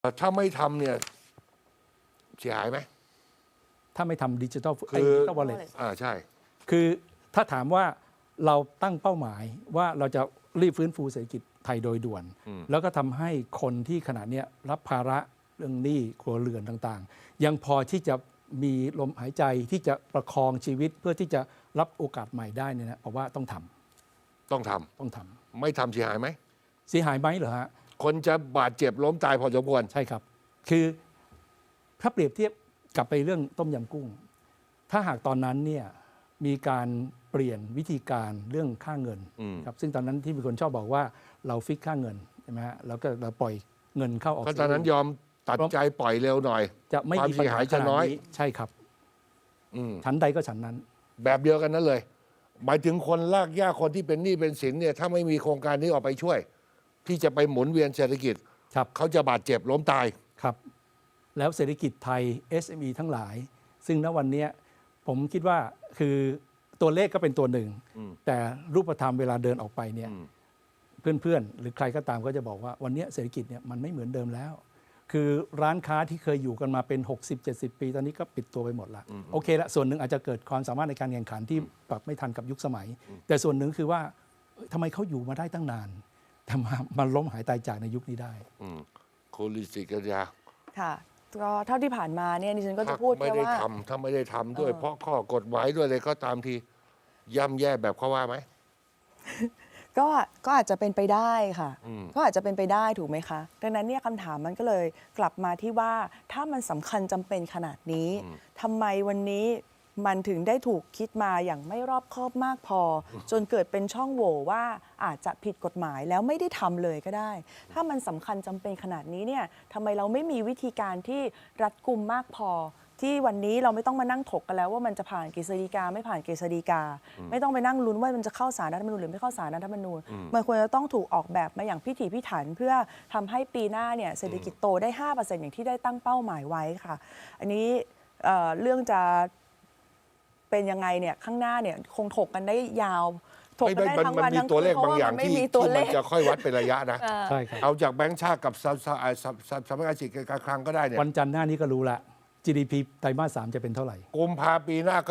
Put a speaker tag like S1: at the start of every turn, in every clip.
S1: ถ้าไม่ทำเนี่ยเสียหายไหม
S2: ถ้าไม่ทำดิจิทัลวอลเล็ต
S1: ใช่
S2: คือถ้าถามว่าเราตั้งเป้าหมายว่าเราจะรีบฟื้นฟูเศรษฐกิจไทยโดยด่วน แล้วก็ทำให้คนที่ขณะนี้รับภาระเรื่องหนี้ครัวเรือนต่างๆ ยังพอที่จะมีลมหายใจที่จะประคองชีวิตเพื่อที่จะรับโอกาสใหม่ได้เนี่ยนะเพราะว่าต้องทำ
S1: ต้องทำไม่ทำเสียหายไหม
S2: เสียหายไหมเหรอฮะ
S1: คนจะบาดเจ็บล้มตายพอสมควร
S2: ใช่ครับ คือถ้าเปรียบเทียบกลับไปเรื่องต้มยำกุ้ง ถ้าหากตอนนั้นเนี่ยมีการเปลี่ยนวิธีการเรื่องค่าเงินครับซึ่งตอนนั้นที่มีคนชอบบอกว่าเราฟิกค่าเงินใช่ไหมฮะแล้วก็เราปล่อยเงินเข้าออก
S1: ก็ตอนนั้นยอมตัดใจปล่อยเร็วหน่อย
S2: จะไม่มีปัญหาจะน้อยใช่ครับชั้นใดก็ชั้นนั้น
S1: แบบเดียวกันนั้นเลยหมายถึงคนลากยากคนที่เป็นหนี้เป็นสินเนี่ยถ้าไม่มีโครงการนี้ออกไปช่วย ที่จะไปหมุนเวียนเศรษฐกิจเขาจะบาดเจ็บล้มตาย
S2: ครับแล้วเศรษฐกิจไทย SME ทั้งหลาย ซึ่งณวันนี้ผมคิดว่าคือตัวเลขก็เป็นตัวหนึ่งแต่รูปธรรมเวลาเดินออกไปเนี่ยเพื่อนๆหรือใครก็ตามก็จะบอกว่าวันนี้เศรษฐกิจเนี่ยมันไม่เหมือนเดิมแล้ว คือร้านค้าที่เคยอยู่กันมาเป็น60-70 ปีตอนนี้ก็ปิดตัวไปหมดละโอเคละส่วนหนึ่งอาจจะเกิดความสามารถในการแข่งขันที่ปรับไม่ทันกับยุคสมัยแต่ส่วนหนึ่งคือว่าทำไมเขาอยู่มาได้ตั้งนานแต่มันล้มหายตายจากในยุคนี้ได้
S1: คุณลิศิกัญญา
S3: ค่ะก็เท่าที่ผ่านมาเนี่ยดิฉันก็จะพูดแค่ว่า
S1: ถ้าไม่ได้ทำด้วยเพราะข้อกฎหมายด้วยเลยก็ตามทีย่ำแย่แบบเขาว่าไหม
S3: ก็อาจจะเป็นไปได้ค่ะก็อาจจะเป็นไปได้ถูกไหมคะดังนั้นเนี่ยคำถามมันก็เลยกลับมาที่ว่าถ้ามันสำคัญจำเป็นขนาดนี้ทำไมวันนี้มันถึงได้ถูกคิดมาอย่างไม่รอบคอบมากพอจนเกิดเป็นช่องโหว่ว่าอาจจะผิดกฎหมายแล้วไม่ได้ทำเลยก็ได้ ถ้ามันสำคัญจำเป็นขนาดนี้เนี่ยทำไมเราไม่มีวิธีการที่รัดกุมมากพอที่วันนี้เราไม่ต้องมานั่งถกกันแล้วว่ามันจะผ่านกฤษฎีกาไม่ผ่านกฤษฎีกาไม่ต้องไปนั่งลุ้นว่ามันจะเข้าศาลรัฐธรรมนูญหรือไม่เข้าศาลรัฐธรรมนูญมันควรจะต้องถูกออกแบบมาอย่างพิถีพิถันเพื่อทำให้ปีหน้าเนี่ยเศรษฐกิจโตได้ 5% อย่างที่ได้ตั้งเป้าหมายไว้ค่ะอันนี้เรื่องจะเป็นยังไงเนี่ยข้างหน้าเนี่ยคงถกกันได้ยาวถกกันได้ทั้งวันทั้งคืนเพราะว่ามันไม่มีตัวเลข
S1: มันจะค่อยวัดเป็นระยะนะ
S2: ใช่ครับ
S1: เอาจากแบงก์ชาติกับสำนักงานสิทธิการคลังก็ได้เนี่ย
S2: วันจันทร์หน้านี้ก็รู้ละ GDP ไตรมาส 3จะเป็นเท่าไหร่
S1: กุมภาปีหน้าก็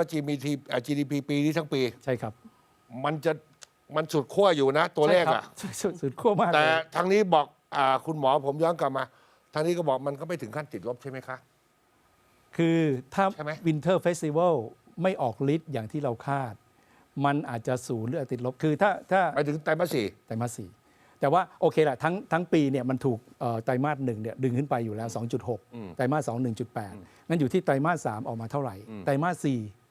S1: GDP ปีนี้ทั้งปี
S2: ใช่ครับ
S1: มันสุดขั้วอยู่นะตัวเลขอ่ะ
S2: สุดขั้วมาก
S1: แต่ทางนี้บอกคุณหมอผมย้อนกลับมาทางนี้ก็บอกมันก็ไม่ถึงขั้นติดลบใช่ไหมคะ
S2: คือถ้า Winter Festival ไม่ออกฤทธิ์อย่างที่เราคาดมันอาจจะศูนย์หรือติดลบคือถ้า
S1: ไปถึงไตรมาส 4
S2: ไตรมาส 4แต่ว่าโอเคแหละทั้งปีเนี่ยมันถูกไตรมาส 1เนี่ยดึงขึ้นไปอยู่แล้ว 2.6 ไตรมาส 2 1.8 งั้นอยู่ที่ไตรมาส 3ออกมาเท่าไหร่ไตรมาส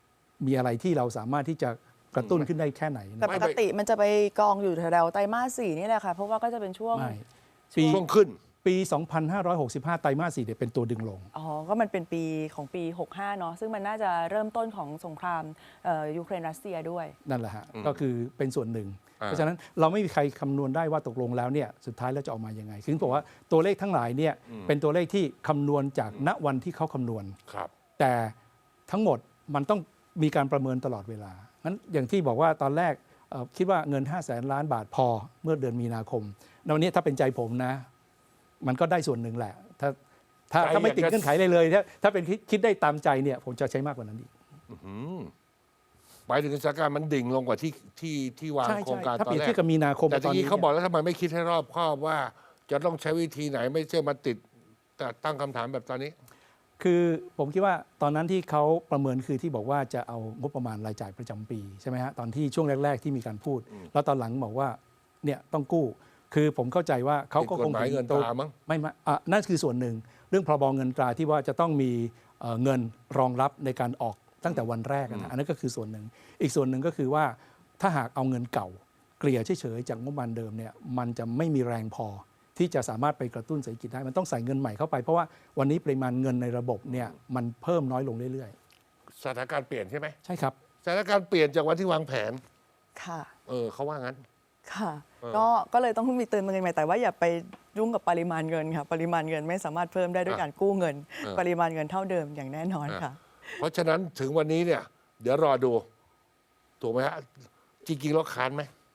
S2: 4มีอะไรที่เราสามารถที่จะกระตุ้นขึ้นได้แค่ไหน
S3: แต่ปกติมันจะไปกองอยู่แถวไตรมาส 4นี่แหละค่ะเพราะว่าก็จะเป็นช่วง
S1: ขึ้น
S2: ปี 2565 ไตรมาส 4เนี่ยเป็นตัวดึงลง
S3: ก็มันเป็นปีของปี 65 เนาะซึ่งมันน่าจะเริ่มต้นของสงครามยูเครนรัสเซียด้วย
S2: นั่นแหละฮะก็คือเป็นส่วนหนึ่งเพราะฉะนั้นเราไม่มีใครคำนวณได้ว่าตกลงแล้วเนี่ยสุดท้ายแล้วจะออกมายังไงคือบอกว่าตัวเลขทั้งหลายเนี่ยเป็นตัวเลขที่คำนวณจากณวันที่เขาคำนวณแต่ทั้งหมดมันต้องมีการประเมินตลอดเวลางั้นอย่างที่บอกว่าตอนแรกคิดว่าเงิน 500,000 ล้านบาทพอเมื่อเดือนมีนาคมวันนี้ถ้าเป็นใจผมนะมันก็ได้ส่วนหนึ่งแหละถ้าไม่ติดเงื่อนไขเลยถ้าเป็นคิดได้ตามใจเนี่ยผมจะใช้มากกว่านั้นอีก
S1: หมายถึงสถานการณ์มันดิ่งลงกว่าที่วางโครงการตอนแรกถ้าเปรียบเทียบ
S2: กับมีนาคม
S1: แต่ทีนี้เขาบอกแล้วทำไมไม่คิดให้รอบคอบว่าจะต้องใช้วิธีไหนไม่ใช่มาติดแต่ตั้งคำถามแบบตอนนี้
S2: คือผมคิดว่าตอนนั้นที่เขาประเมินคือที่บอกว่าจะเอางบประมาณรายจ่ายประจำปีใช่ไหมฮะตอนที่ช่วงแรกๆที่มีการพูดแล้วตอนหลังบอกว่าเนี่ยต้องกู้คือผมเข้าใจว่าเขาก็คง
S1: เงินตรามั้ง
S2: ไม่นั่นคือส่วนหนึ่งเรื่องพรบเงินตราที่ว่าจะต้องมีเงินรองรับในการออกตั้งแต่วันแรกนะอันนั้นก็คือส่วนหนึ่งอีกส่วนหนึ่งก็คือว่าถ้าหากเอาเงินเก่าเกลี่ยเฉยๆจากงบประมาณเดิมเนี่ยมันจะไม่มีแรงพอที่จะสามารถไปกระตุ้นเศรษฐกิจได้มันต้องใส่เงินใหม่เข้าไปเพราะว่าวันนี้ปริมาณเงินในระบบเนี่ยมันเพิ่มน้อยลงเรื่อย
S1: ๆสถานการณ์เปลี่ยนใช่ไหม
S2: ใช่ครับ
S1: สถานการณ์เปลี่ยนจากวันที่วางแผน
S3: ค่ะ
S1: เขาว่างั้น
S3: ค่ะก็เลยต้องมีเตือนเงินใหม่แต่ว่าอย่าไปยุ่งกับปริมาณเงินค่ะปริมาณเงินไม่สามารถเพิ่มได้ด้วยการกู้เงินปริมาณเงินเท่าเดิมอย่างแน่นอนค่ะ
S1: เพราะฉะนั้นถึงวันนี้เนี่ยเดี๋ยวรอดูถูกไหมฮะจริงๆแล้วค้านไหม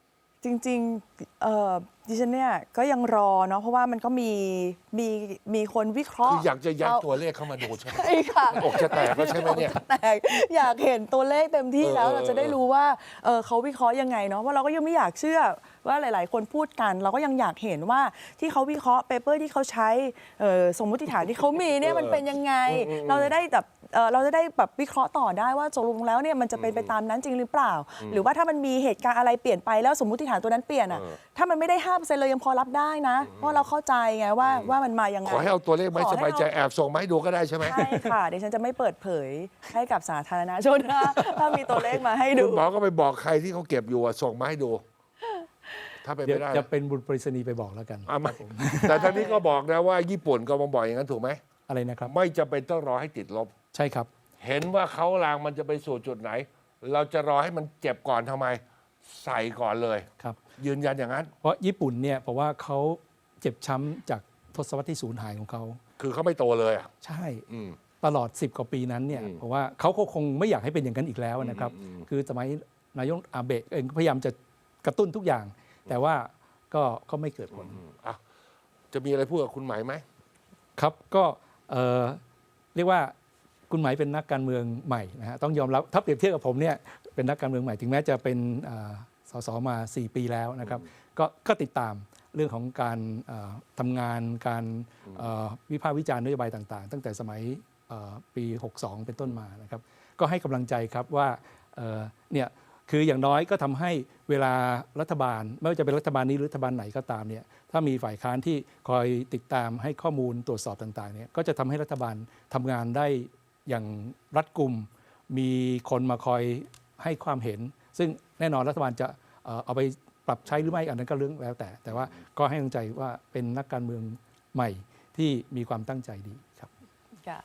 S3: จริงดิฉันเนี่ยก็ยังรอเนาะเพราะว่ามันก็มีคนวิเคราะ
S1: คือ
S3: ห์
S1: อยากจะยัดตัวเลขเข้ามาดูใช่ไหม
S3: ใช่ค่ะ
S1: อกจะแตกแล้วใช่ไหมเนี่ย
S3: แต่อยากเห็นตัวเลขเต็มที่แล้ว
S1: เออ
S3: เราจะได้รู้ว่าเขาวิเคราะห์ยังไงเนาะว่าเราก็ยังไม่อยากเชื่อว่าหลาย ๆ คนพูดกัน เราก็ยังอยากเห็นว่าที่เขาวิเคราะห์เปเปอร์ที่เขาใช้สมมุติฐานที่เขามีเนี่ยมันเป็นยังไง เราจะได้แบบวิเคราะห์ต่อได้ว่าตกลงแล้วเนี่ยมันจะเป็นไปตามนั้นจริงหรือเปล่า หรือว่าถ้ามันมีเหตุการณ์อะไรเปลี่ยนไปแล้วสมมุติฐานตัวนั้นเปลี่ยนอ่ะถ้ามันไม่ได้ 5% เลยยังพอรับได้นะ เพราะเราเข้าใจไงว่ามันมายังไง
S1: ขอให้เอาตัวเลขไม่
S3: ขอ
S1: ส
S3: ให้
S1: บายใจ
S3: เอา
S1: แอบส่งมาให้ดูก็ได้ใช่ไหม
S3: ใช่ค่ะเดี๋ยวฉันจะไม่เปิดเผยให้กับสาธารณชนนะถ้ามีตัวเลขมาให้ดู
S1: คุณหมอก็ไปบอกใครที่เขาเก็บอยู่อะส่งมาให้ดู ถ้าเป็น
S2: เดี๋ย
S1: ไม่
S2: ว
S1: ได้
S2: จะเป็นบุญปริศนีย์ไปบอกแล้วกัน
S1: ไม่แต่ท่านนี้ก็บอกนะว่าญี่ปุ่นก็มาบอกอย่างนั้นถูกไหม
S2: อะไรนะครับ
S1: ไม่จำเป็นต้องรอให้ติดลบ
S2: ใช่ครับ
S1: เห็นว่าเขาลางมันจะไปสู่จุดไหน เราจะรอให้มันเจ็บก่อนทำไม ใส่ก่อนเลย
S2: ครับ
S1: ยืนยันอย่างนั้น
S2: เพราะญี่ปุ่นเนี่ยเพราะว่าเขาเจ็บช้ำจากทศวรรษที่สูญหายของเขา
S1: คือเขาไม่โตเลยอะ
S2: ใช่
S1: อืม
S2: ตลอด 10 กว่าปีนั้นเนี่ยเพราะว่าเขาก็คงไม่อยากให้เป็นอย่างนั้นอีกแล้วนะครับ คือสมัยนายกอาเบะเองก็พยายามจะกระตุ้นทุกอย่าง แต่ว่าก็ไม่เกิดผล
S1: อ่ะจะมีอะไรพูดกับคุณหมายไหม
S2: ครับก็เรียกว่าคุณหมายเป็นนักการเมืองใหม่นะฮะต้องยอมรับถ้าเปรียบเทียบกับผมเนี่ยเป็นนักการเมืองใหม่ถึงแม้จะเป็นสสมา 4 ปีแล้วนะครับก็ติดตามเรื่องของการทำงานการวิพากษ์วิจารณ์นโยบายต่างๆ ตั้งแต่สมัยปี 62 เป็นต้นมานะครับก็ให้กำลังใจครับว่าเนี่ยคืออย่างน้อยก็ทำให้เวลารัฐบาลไม่ว่าจะเป็นรัฐบาลนี้หรือรัฐบาลไหนก็ตามเนี่ยถ้ามีฝ่ายค้านที่คอยติดตามให้ข้อมูลตรวจสอบต่างๆเนี่ยก็จะทำให้รัฐบาลทำงานได้อย่างรัดกุมมีคนมาคอยให้ความเห็น ซึ่งแน่นอนรัฐบาลจะเอาไปปรับใช้หรือไม่อันนั้นก็เรื่องแล้วแต่ว่าก็ให้กำลังใจว่าเป็นนักการเมืองใหม่ที่มีความตั้งใจดีครับ
S3: ค่ะ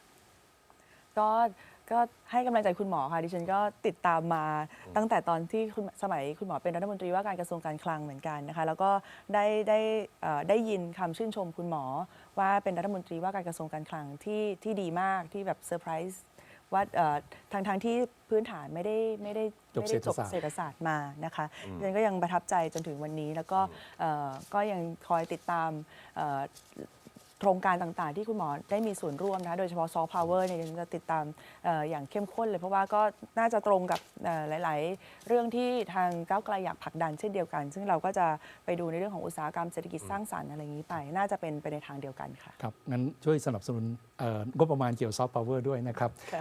S3: ก็ให้กำลังใจคุณหมอค่ะดิฉันก็ติดตามมาตั้งแต่ตอนที่สมัยคุณหมอเป็นรัฐมนตรีว่าการกระทรวงการคลังเหมือนกันนะคะแล้วก็ได้ยินคำชื่นชมคุณหมอว่าเป็นรัฐมนตรีว่าการกระทรวงการคลังที่ดีมากที่แบบเซอร์ไพรส์ว่าทางที่พื้นฐานไม่ได้จบเศรษฐศาสตร์มานะคะดิฉันก็ยังประทับใจจนถึงวันนี้แล้วก็ยังคอยติดตามโครงการต่างๆที่คุณหมอได้มีส่วนร่วมนะโดยเฉพาะซอฟต์พาวเวอร์เนี่ยจะติดตามอย่างเข้มข้นเลยเพราะว่าก็น่าจะตรงกับหลายๆเรื่องที่ทางก้าวไกลอยากผลักดันเช่นเดียวกัน ซึ่งเราก็จะไปดูในเรื่องของอุตสาหกรรมเศรษฐกิจสร้างสรรค์อะไรอย่างนี้ไปน่าจะเป็นไปในทางเดียวกันค่ะ
S2: ครับงั้นช่วยสนับสนุนงบประมาณเกี่ยวซอฟต์พาวเวอร์ด้วยนะครับ